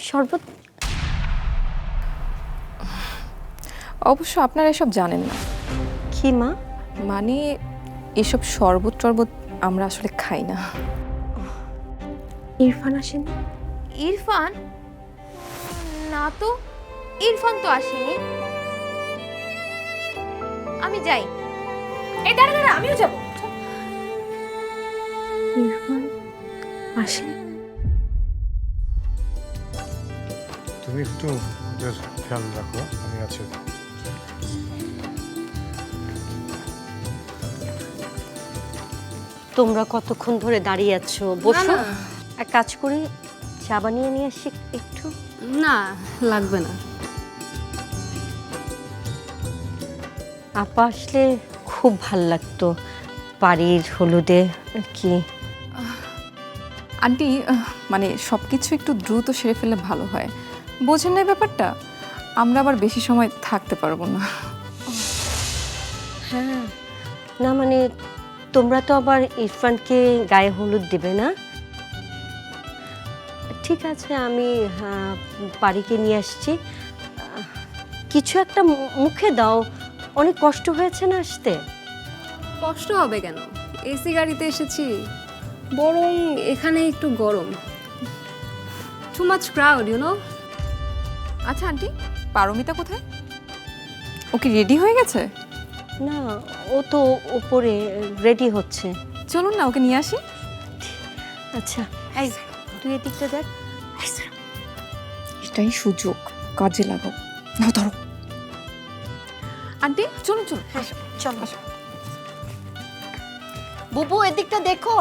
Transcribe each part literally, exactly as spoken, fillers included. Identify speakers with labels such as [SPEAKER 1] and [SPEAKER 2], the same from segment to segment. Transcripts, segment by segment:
[SPEAKER 1] শরবত?
[SPEAKER 2] অবশ্য আপনারা এসব জানেন না।
[SPEAKER 1] কি মা?
[SPEAKER 2] মানে এসব শরবত টরবত আমরা আসলে খাই না।
[SPEAKER 1] ইরফান আসেনি?
[SPEAKER 3] ইরফান? না তো, ইরফান তো আসেনি। আমি যাই। এই দাঁড়া দাঁড়া, আমিও যাব।
[SPEAKER 1] ইরফান আসেনি?
[SPEAKER 4] তুমি একটু ওদের খেয়াল রাখো, আমি আছি।
[SPEAKER 1] তোমরা কতক্ষণ ধরে দাঁড়িয়ে আছো? বসো। এক কাজ করি, চা বানিয়ে নিয়ে আসি একটু।
[SPEAKER 5] না, লাগবে না।
[SPEAKER 1] আপা আসলে খুব ভাল লাগতো, বাড়ির হলুদে আর কি।
[SPEAKER 2] আন্টি মানে সব কিছু একটু দ্রুত সেরে ফেললে ভালো হয়, বোঝেন না ব্যাপারটা? আমরা আবার বেশি সময় থাকতে পারবো না।
[SPEAKER 1] হ্যাঁ, না মানে তোমরা তো আবার ইরফানকে গায়ে হলুদ দেবে না? ঠিক আছে, আমি বাড়িকে নিয়ে আসছি। কিছু একটা মুখে দাও, অনেক কষ্ট হয়েছে না আসতে।
[SPEAKER 5] কষ্ট হবে কেন? এসি গাড়িতে এসেছি, বরং এখানে একটু গরম। Too much crowd, you know.
[SPEAKER 2] আচ্ছা আন্টি, পারমিতা কোথায়? ও কি রেডি হয়ে গেছে?
[SPEAKER 1] না, ও তো উপরে রেডি হচ্ছে।
[SPEAKER 2] চলুন না ওকে নিয়ে আসি।
[SPEAKER 1] আচ্ছা, এই তুই এদিকটা দেখ।
[SPEAKER 2] এটাই সুযোগ, কাজে লাগাও। নাও ধরো। আন্টি চলুন চলুন।
[SPEAKER 1] হ্যাঁ চলো। বুবু এদিকটা দেখো।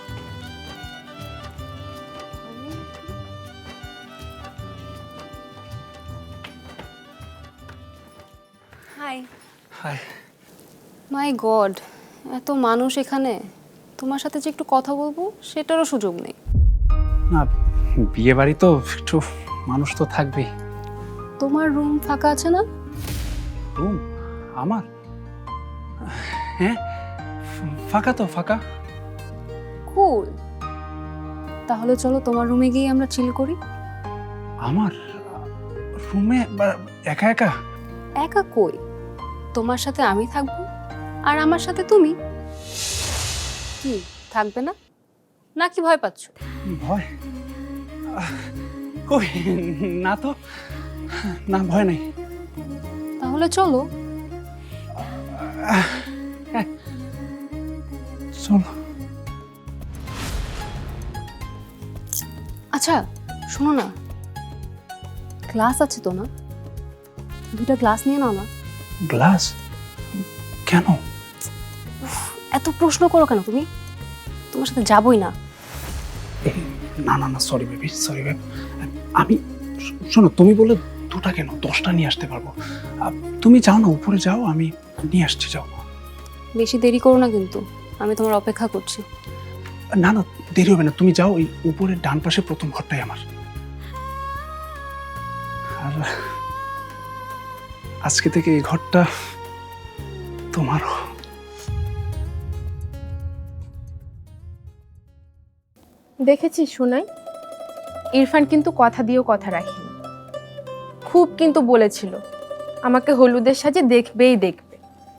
[SPEAKER 5] হাই।
[SPEAKER 4] হাই।
[SPEAKER 5] মাই গড, এত মানুষ এখানে, তোমার সাথে যে একটু কথা বলবো সেটারও সুযোগ নেই।
[SPEAKER 6] না, বিয়ে বাড়ি তো একটু মানুষ তো থাকবেই।
[SPEAKER 5] তোমার রুম ফাঁকা আছে না?
[SPEAKER 6] রুম আমার? হ্যাঁ, ফাঁকা তো, ফাঁকা।
[SPEAKER 5] কুল, তাহলে চলো তোমার রুমে গিয়ে আমরা চিল করি।
[SPEAKER 6] আমার রুমে একা একা?
[SPEAKER 5] একা কই, তোমার সাথে আমি থাকবো আর আমার সাথে তুমি। কি থাকবে না নাকি ভয় পাচ্ছ?
[SPEAKER 6] ভয়? কই না তো, না ভয় নেই।
[SPEAKER 5] তাহলে চলো।
[SPEAKER 6] চলো।
[SPEAKER 5] আচ্ছা শোনো না, গ্লাস আছে তো না? দুটা গ্লাস নিয়ে নাও না।
[SPEAKER 6] গ্লাস? কেন?
[SPEAKER 5] এত প্রশ্ন করো কেন তুমি? তোমার সাথে যাবই না।
[SPEAKER 6] না না না, সরি বেবি, সরি বেব। আমি, শোনো, তুমি বলে দুটা কেন, দশটা নিয়ে আসতে পারবো। তুমি যাও না, উপরে যাও, আমি নিয়ে আসছি, যাও।
[SPEAKER 5] বেশি দেরি করো না কিন্তু, আমি তোমার অপেক্ষা করছি।
[SPEAKER 6] না না, দেরি হবে না, তুমি যাও, ওই উপরের ডান পাশে প্রথম ঘরটাই আমার। আর আজকে থেকে এই ঘরটা তোমারও।
[SPEAKER 7] দেখেছিস সোনাই, ইরফান কিন্তু কথা দিয়েও কথা রাখেনি। খুব কিন্তু বলেছিল আমাকে হলুদের সাজে দেখবেই দেখবে।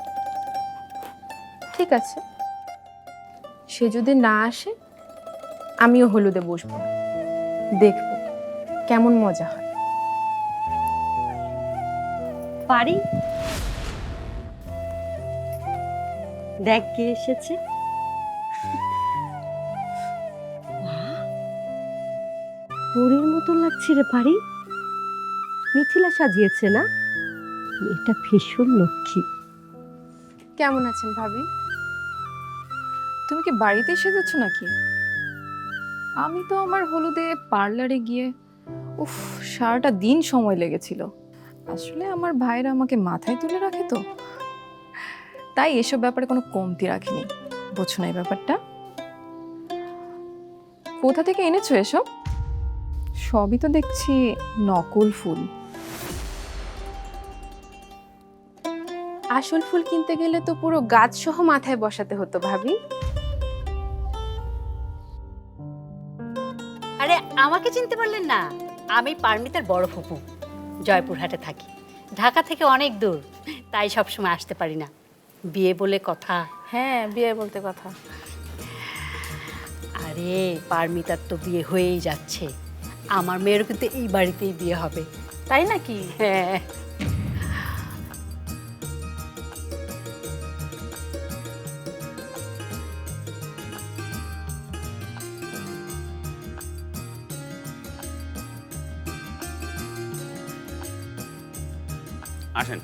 [SPEAKER 7] ঠিক আছে, সে যদি না আসে আমিও হলুদে বসবো, দেখবো কেমন মজা হয়।
[SPEAKER 1] পারি, দেখ কে এসেছে। পরীর মতো লাগছে রে পারি। মিথিলা সাজিয়েছে না? এটা ভীষণ লক্ষ্মী।
[SPEAKER 7] কেমন আছেন ভাবি?
[SPEAKER 2] তুমি কি বাড়িতে এসে যাচ্ছ নাকি? আমি তো আমার হলুদে পার্লারে গিয়ে উফ সারাটা দিন সময় লেগেছিল। আসলে আমার ভাইরা আমাকে মাথায় তুলে রাখে তো, তাই এসব ব্যাপারে কোনো কমতি রাখিনি। বুঝছো না এই ব্যাপারটা? কোথা থেকে এনেছো এসব? সবই তো দেখছি নকল ফুল।
[SPEAKER 7] আসল ফুল কিনতে গেলে তো পুরো গাছ সহ মাথায় বসাতে হতো ভাবি।
[SPEAKER 8] আরে আমাকে চিনতে পারলেন না? আমি পারমিতার বড় ফুপু, জয়পুরহাটে থাকি। ঢাকা থেকে অনেক দূর, তাই সব সময় আসতে পারি না। বিয়ে বলে কথা।
[SPEAKER 3] হ্যাঁ, বিয়ে বলতে কথা।
[SPEAKER 8] আরে পারমিতার তো বিয়ে হয়েই যাচ্ছে, আমার মেয়েরও কিন্তু এই বাড়িতেই বিয়ে হবে।
[SPEAKER 3] তাই নাকি?
[SPEAKER 8] হ্যাঁ।
[SPEAKER 9] আসেন।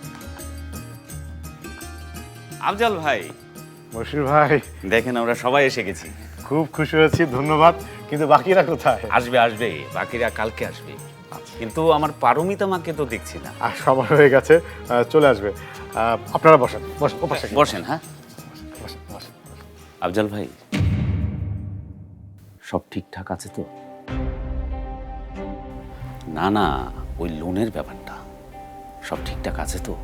[SPEAKER 9] আফজাল ভাই,
[SPEAKER 4] বশির ভাই,
[SPEAKER 9] দেখেন আমরা সবাই এসে গেছি।
[SPEAKER 4] খুব খুশি হয়েছি, ধন্যবাদ। কিন্তু বাকিরা কোথায়?
[SPEAKER 9] আসবে আসবে, বাকিরা কালকে আসবে। কিন্তু আমার পারমিতা মাকে তো দেখছি না।
[SPEAKER 4] আর সবার হয়ে গেছে, আহ, চলে আসবে। আহ, আপনারা বসেন, বসেন, ও পাশে গিয়ে
[SPEAKER 9] বসেন। হ্যাঁ
[SPEAKER 4] বসেন, বসেন।
[SPEAKER 9] আফজাল ভাই, সব ঠিকঠাক আছে তো? না না, ওই লোনের ব্যাপারটা সব ঠিকঠাক আছে তো?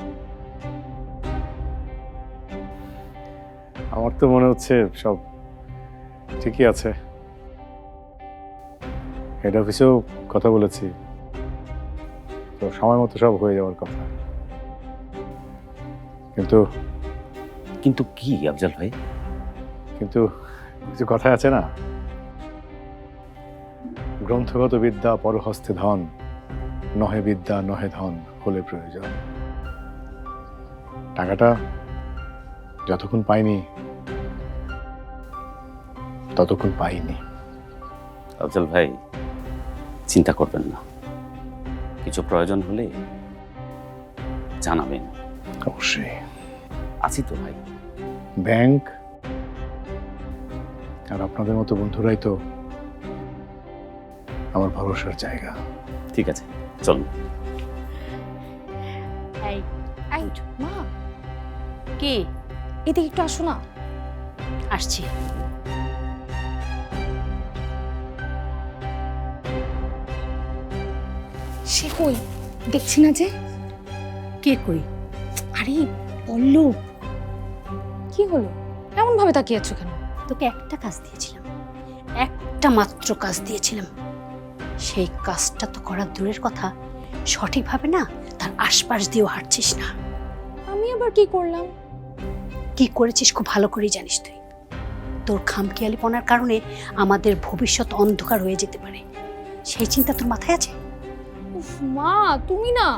[SPEAKER 4] আমার তো মনে হচ্ছে সব ঠিকই আছে। হেড অফিসেও কথা বলেছি, তো সময় মতো সব হয়ে যাওয়ার কথা। কিন্তু
[SPEAKER 9] কিন্তু কি আফজাল ভাই?
[SPEAKER 4] কিন্তু কিছু কথা আছে না, গ্রন্থগত বিদ্যা পরহস্তে ধন, নহে বিদ্যা নহে ধন হলে প্রয়োজন। টাকাটা যতক্ষণ পাইনি ততক্ষণ পাইনি।
[SPEAKER 9] আফজাল ভাই, চিন্তা করবেন না, কিছু প্রয়োজন হলে জানাবেন।
[SPEAKER 4] অবশ্যই।
[SPEAKER 9] আছি তো ভাই।
[SPEAKER 4] ব্যাংক আর আপনাদের মতো বন্ধুরাই তো আমার ভরসার জায়গা।
[SPEAKER 9] ঠিক আছে, চলুন।
[SPEAKER 8] এই
[SPEAKER 3] এই মা,
[SPEAKER 8] কি?
[SPEAKER 3] এদিকে একটু আসো না।
[SPEAKER 8] আসছি।
[SPEAKER 3] সে কই? দেখছি না যে।
[SPEAKER 8] কে কই?
[SPEAKER 3] আরে পল্লব, কি হলো? এমন ভাবে তাকিয়ে আছো কেন?
[SPEAKER 8] তোকে একটা কাজ দিয়েছিলাম, একটা মাত্র কাজ দিয়েছিলাম। সেই কাজটা তো করার দূরের কথা, সঠিকভাবে না তার আশপাশ দিয়েও হাঁটছিস না।
[SPEAKER 3] আমি আবার কি করলাম?
[SPEAKER 8] কি করেছিস খুব ভালো করেই জানিস তুই। তোর খামখেয়ালিপনার কারণে আমাদের ভবিষ্যৎ অন্ধকার হয়ে যেতে পারে, সেই চিন্তা তোর মাথায় আছে?
[SPEAKER 3] উফ মা, তুমি না।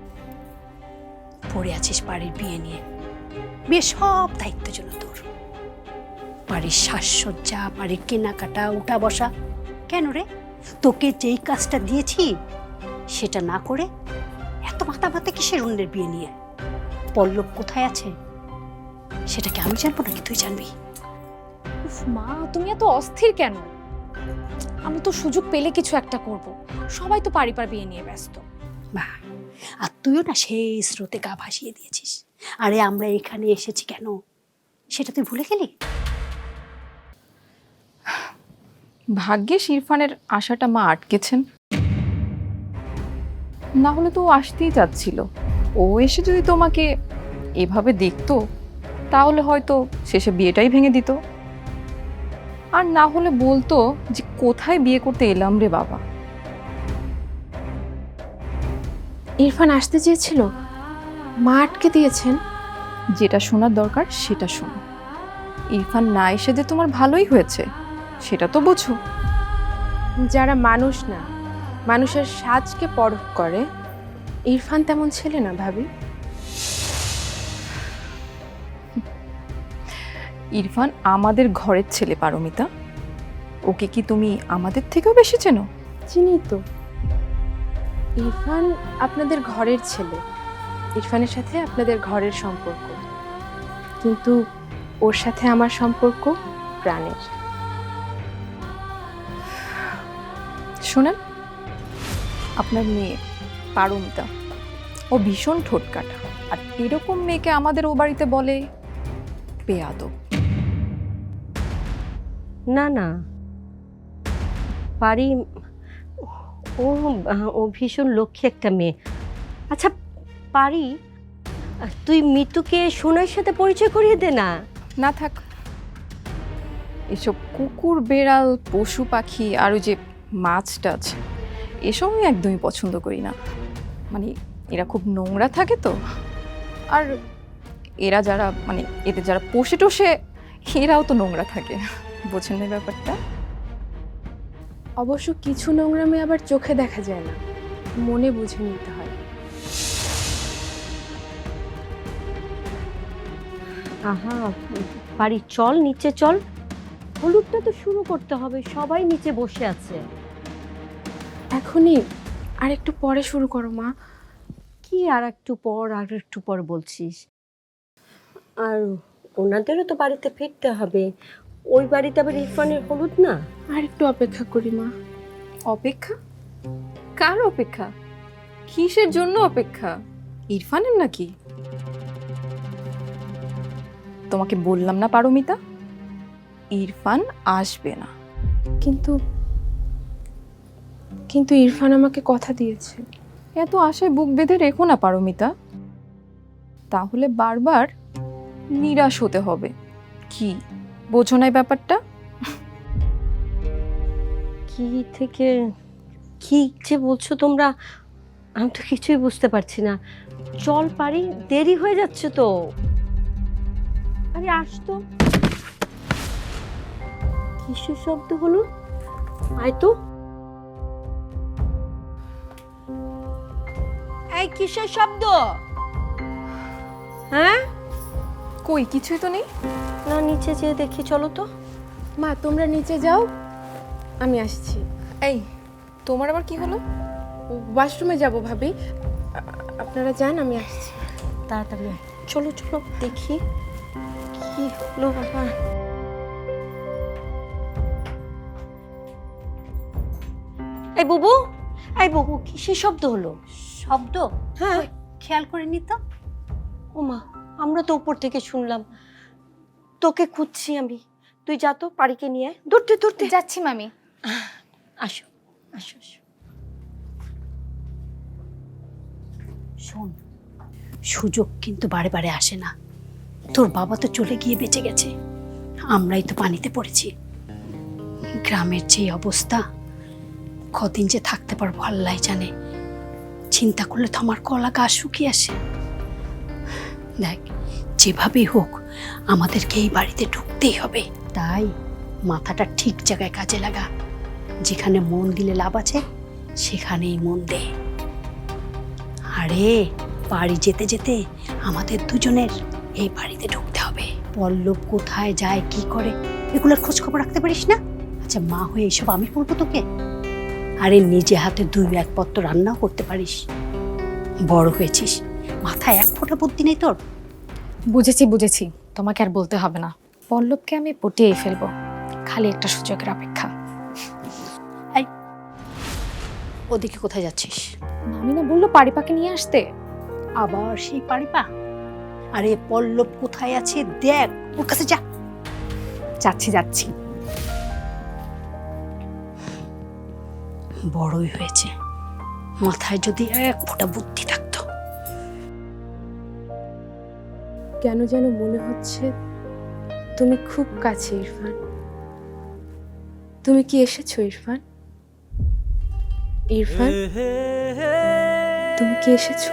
[SPEAKER 8] পড়ে আছিস বাড়ির বিয়ে নিয়ে। বিয়ে সব দায়িত্ব জন্য তোর। বাড়ির সাজসজ্জা, বাড়ির কেনাকাটা, উঠা বসা। কেন রে, তোকে যেই কাজটা দিয়েছি সেটা না করে এত মাথা মাথা কিসের অন্যের বিয়ে নিয়ে? পল্লব কোথায় আছে সেটা কি আমি জানবো নাকি তুই জানবি?
[SPEAKER 3] উফ মা, তুমি এত অস্থির কেন? আমি তো সুযোগ পেলে কিছু একটা করব। সবাই তো পারিবার বিয়ে নিয়ে ব্যস্ত।
[SPEAKER 8] বাহ, আর তুইও না সেই স্রোতে গা ভাসিয়ে দিয়েছিস। আরে আমরা এখানে এসেছি কেন সেটা তুই ভুলে গেলি?
[SPEAKER 2] ভাগ্যিস ইরফানের আশাটা মা আটকেছেন, না হলে তো ও আসতেই চাচ্ছিল। ও এসে যদি তোমাকে এভাবে দেখতো তাহলে হয়তো শেষে বিয়েটাই ভেঙে দিত, আর না হলে বলতো যে কোথায় বিয়ে করতে এলাম রে বাবা।
[SPEAKER 7] ইরফান আসতে চেয়েছিল, মা আটকে দিয়েছেন।
[SPEAKER 2] যেটা শোনার দরকার সেটা শোনো। ইরফান না এসে যে তোমার ভালোই হয়েছে সেটা তো বোঝো।
[SPEAKER 7] যারা মানুষ না, মানুষের সাজকে পরখ করে, ইরফান তেমন ছেলে না ভাবি।
[SPEAKER 2] ইরফান আমাদের ঘরের ছেলে পারমিতা, ওকে কি তুমি আমাদের থেকেও বেশি চেনো?
[SPEAKER 7] চিনি তো। ইরফান আপনাদের ঘরের ছেলে, ইরফানের সাথে আপনাদের ঘরের সম্পর্ক, কিন্তু ওর সাথে আমার সম্পর্ক প্রাণের।
[SPEAKER 2] শোনেন, আপনার মেয়ে পারমিতা ও ভীষণ ঠোঁটকাটা, আর এরকম মেয়েকে আমাদের ও বাড়িতে বলে বেয়াদব।
[SPEAKER 1] না না, পারি ও ও ভীষণ লক্ষ্মী একটা মেয়ে। আচ্ছা পারি, তুই মিতুকে সোনার সাথে পরিচয় করিয়ে দে না।
[SPEAKER 2] না থাক, এসব কুকুর বেড়াল পশু পাখি আর ওই যে মাছ টাছ এসব আমি একদমই পছন্দ করি না। মানে এরা খুব নোংরা থাকে তো, আর এরা যারা মানে এতে যারা পোষে টোষে এরাও তো নোংরা থাকে, বোঝেন না ব্যাপারটা?
[SPEAKER 7] অবশ্য কিছু নোংরামি আবার চোখে দেখা যায় না, মনে বুঝে নিতে হয়।
[SPEAKER 1] আহা বাড়ি চল, নিচে চল, হলুদটা তো শুরু করতে হবে, সবাই নিচে বসে আছে।
[SPEAKER 7] এখনই? আর একটু পরে শুরু করো মা।
[SPEAKER 1] কি আর একটু পর আর একটু পর বলছিস? আর ওনাদেরও তো বাড়িতে ফিরতে হবে, ওই বাড়িতে আবার ইরফানের হলুদ না।
[SPEAKER 7] আর একটু অপেক্ষা করি মা।
[SPEAKER 2] অপেক্ষা? কার অপেক্ষা? কিসের জন্য অপেক্ষা? ইরফানের নাকি? তোমাকে বললাম না পারমিতা, ইরফান আসবে না।
[SPEAKER 7] কিন্তু কিন্তু ইরফান আমাকে কথা দিয়েছে।
[SPEAKER 2] এত আশায় বুক বেঁধে রেখো না পারমিতা, তাহলে বারবার নিরাশ হতে হবে। কি বোঝো না এই ব্যাপারটা?
[SPEAKER 1] কি থেকে কি যে বলছো তোমরা, আমি তো কিছুই বুঝতে পারছি না। চল পারি, দেরি হয়ে যাচ্ছে তো। আরে আসতো, কিসের শব্দ হলো? আয় তো। এই কিসের শব্দ? হ্যাঁ,
[SPEAKER 2] কই কিছুই তো নেই।
[SPEAKER 1] না নিচে যেয়ে দেখি, চলো তো।
[SPEAKER 7] মা তোমরা নিচে যাও, আমি আসছি।
[SPEAKER 2] এই তোমার আবার কি হলো?
[SPEAKER 7] ওয়াশরুমে যাব ভাবি, আ- আপনারা যান, আমি আসছি।
[SPEAKER 1] তাড়াতাড়ি আয়। চলো চলো দেখি কি হলো বাবা। এই বুবু, এই বুবু, কিসের শব্দ হলো?
[SPEAKER 8] শব্দ?
[SPEAKER 1] হ্যাঁ।
[SPEAKER 8] খেয়াল করিনি তো।
[SPEAKER 1] ওমা, আমরা তো উপর থেকে শুনলাম, তোকে খুঁজছি আমি। তুই যা তো, পারিকে নিয়ে দৌড়তে দৌড়তে।
[SPEAKER 3] যাচ্ছি মামি।
[SPEAKER 1] আসো আসো আসো।
[SPEAKER 8] শোন, সুযোগ কিন্তু বারে বারে আসে না। তোর বাবা তো চলে গিয়ে বেঁচে গেছে, আমরাই তো পানিতে পড়েছি। গ্রামের যে অবস্থা, কদিন যে থাকতে পারবো আল্লাহ জানে। চিন্তা করলে তো আমার গলা গা শুকিয়ে আসে। দেখ, যেভাবেই হোক আমাদেরকে এই বাড়িতে ঢুকতেই হবে। তাই মাথাটা ঠিক জায়গায় কাজে লাগা। যেখানে মন দিলে লাভ আছে সেখানেই মন দে। আরে বাড়ি যেতে যেতে আমাদের দুজনের এই বাড়িতে ঢুকতে হবে। পল্লব কোথায় যায়, কি করে, এগুলোর খোঁজ খবর রাখতে পারিস না? আচ্ছা, মা হয়ে এসব আমি বলবো তোকে? আরে নিজে হাতে দুই এক পত্র রান্নাও করতে পারিস। বড় হয়েছিস, মাথায় এক ফোঁটা বুদ্ধি নেই তোর?
[SPEAKER 3] বুঝেছি বুঝেছি, তোমাকে আর বলতে হবে না। পল্লবকে আমি পটিয়ে ফেলবো, খালি একটা সুযোগের অপেক্ষা।
[SPEAKER 8] ওদিকে কোথায় যাচ্ছিস?
[SPEAKER 3] মামি না বললো পারিপাকে নিয়ে আসতে।
[SPEAKER 8] আবার সেই পারিপা? আরে পল্লব কোথায় আছে দেখ, ওর কাছে যা।
[SPEAKER 3] যাচ্ছি যাচ্ছি।
[SPEAKER 8] বড়ই হয়েছে, মাথায় যদি এক ফোঁটা বুদ্ধি থাকতো।
[SPEAKER 7] কেন যেন মনে হচ্ছে তুমি খুব কাছে ইরফান। তুমি কি এসেছো ইরফান? ইরফান, তুমি কি এসেছো?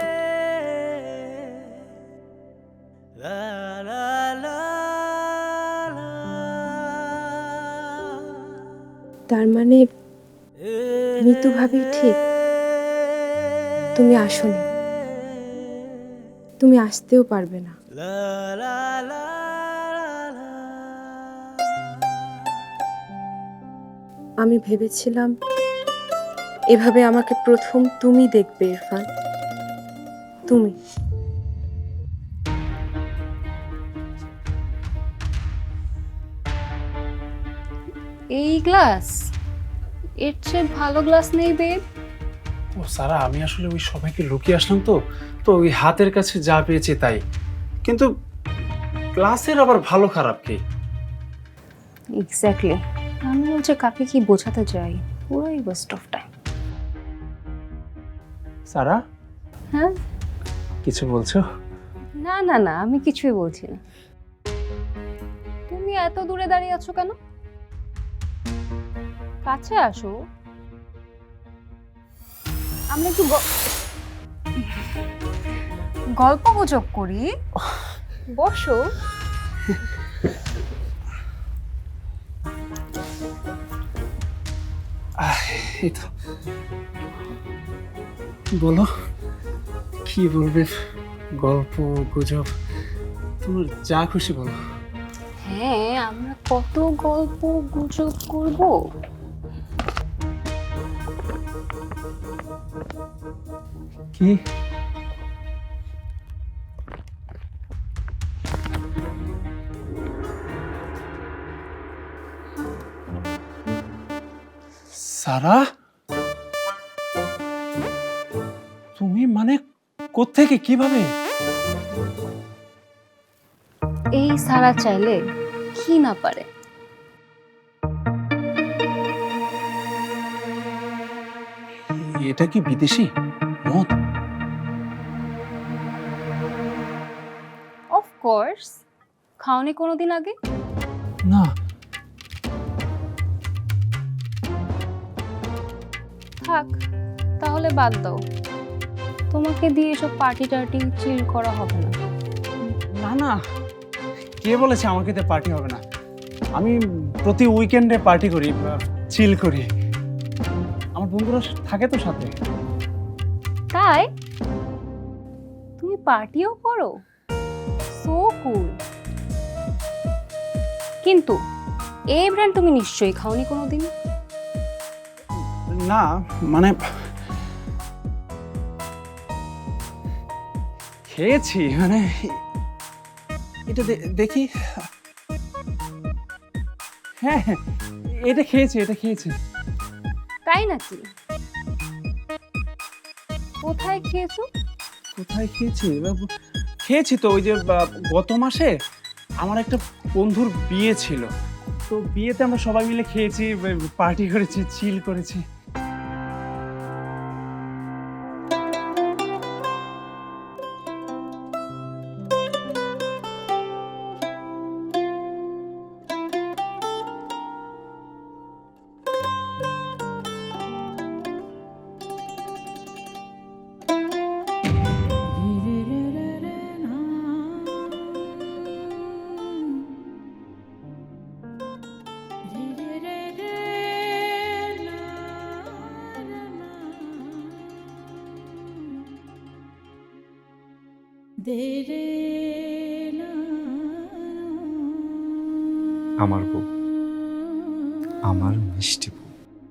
[SPEAKER 7] তার মানে মিতু ভাবি ঠিক, তুমি আসোনি, তুমি আসতেও পারবে না। আমি ভেবেছিলাম এভাবে আমাকে প্রথম তুমি দেখবে ইরফান, তুমি।
[SPEAKER 5] এই গ্লাস, এর চেয়ে ভালো গ্লাস নেই বেব।
[SPEAKER 6] ও সারা, আমি আসলে ওই সবাইকে লুকিয়ে আসলাম তো তো ওই হাতের কাছে যা পেয়েছি তাই। কিন্তু ক্লাসের আবার ভালো খারাপ কি?
[SPEAKER 3] এক্স্যাক্টলি, আমি বলছি কাকে কি বোঝাতে চাই, পুরোই ওয়েস্ট অফ টাইম।
[SPEAKER 6] সারা,
[SPEAKER 5] হ্যাঁ?
[SPEAKER 6] কিছু বলছো?
[SPEAKER 5] না না না, আমি কিছুই বলছি না। তুমি এত দূরে দাঁড়িয়ে আছো কেন? কাছে আসো। আমরা একটু গ- গল্প গুজব করি। বসো।
[SPEAKER 6] আহ, এই তো বলো কি বলবে, গল্প গুজব তোমার যা খুশি বলো।
[SPEAKER 5] হ্যাঁ, আমরা কত গল্প গুজব করব।
[SPEAKER 6] কি সারা, তুমি মানে কোত্থেকে কিভাবে?
[SPEAKER 5] এই সারা চাইলে কি না পারে।
[SPEAKER 6] এটা কি বিদেশি মদ?
[SPEAKER 5] Of course. খাওনি কোনোদিন আগে?
[SPEAKER 6] না।
[SPEAKER 5] থাক, তাহলে বাদ দাও। তোমাকে দিয়ে এসব পার্টি টার্টি চিল করা হবে না।
[SPEAKER 6] না না, কে বলেছে আমাকে তো পার্টি হবে না? আমি প্রতি উইকেন্ডে পার্টি করি, চিল করি। আমার বন্ধুরা থাকে তো সাথে।
[SPEAKER 5] তাই তুমি পার্টিও করো? So cool. কিন্তু এই ব্র্যান্ড তুমি নিশ্চয়ই খাওনি কোনোদিন।
[SPEAKER 6] না মানে খেয়েছি, মানে এটা দে- দেখি। হ্যাঁ হ্যাঁ, এটা খেয়েছি, এটা খেয়েছি।
[SPEAKER 5] তাই নাকি? কোথায় খেয়েছো?
[SPEAKER 6] কোথায় খেয়েছি? খেয়েছি তো ওই যে বা, গত মাসে আমার একটা বন্ধুর বিয়ে ছিল, তো বিয়েতে আমরা সবাই মিলে খেয়েছি, পার্টি করেছি, চিল করেছি।
[SPEAKER 10] আমার বউ, আমার মিষ্টি বউ।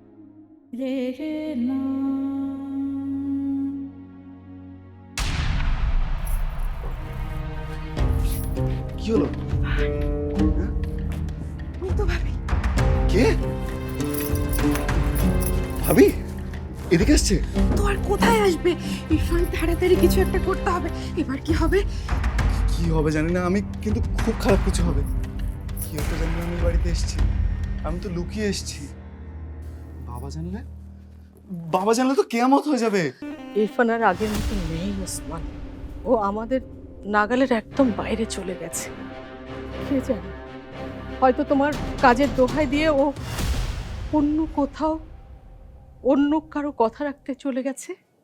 [SPEAKER 11] কি হলো? কে? ভাবি এদিকে আসছে?
[SPEAKER 7] তো আর কোথায় আসবে? ইরফান, তাড়াতাড়ি কিছু একটা করতে হবে। এবার কি হবে?
[SPEAKER 11] কি হবে জানি না, আমি কিন্তু খুব খারাপ কিছু হবে। কি হতে জানি না, আমি বাড়িতে এসেছি, আমি তো লুকিয়ে এসেছি। বাবা জানলে, বাবা জানলে তো কেয়ামত হয়ে যাবে।
[SPEAKER 12] ইরফান আর আগের মতো নেই ওসমান, ও আমাদের নাগালের একদম বাইরে চলে গেছে। কে জানে, হয়তো তোমার কাজের দোহাই দিয়ে ও অন্য কোথাও অন্য কারো কথা রাখতে চলে গেছে।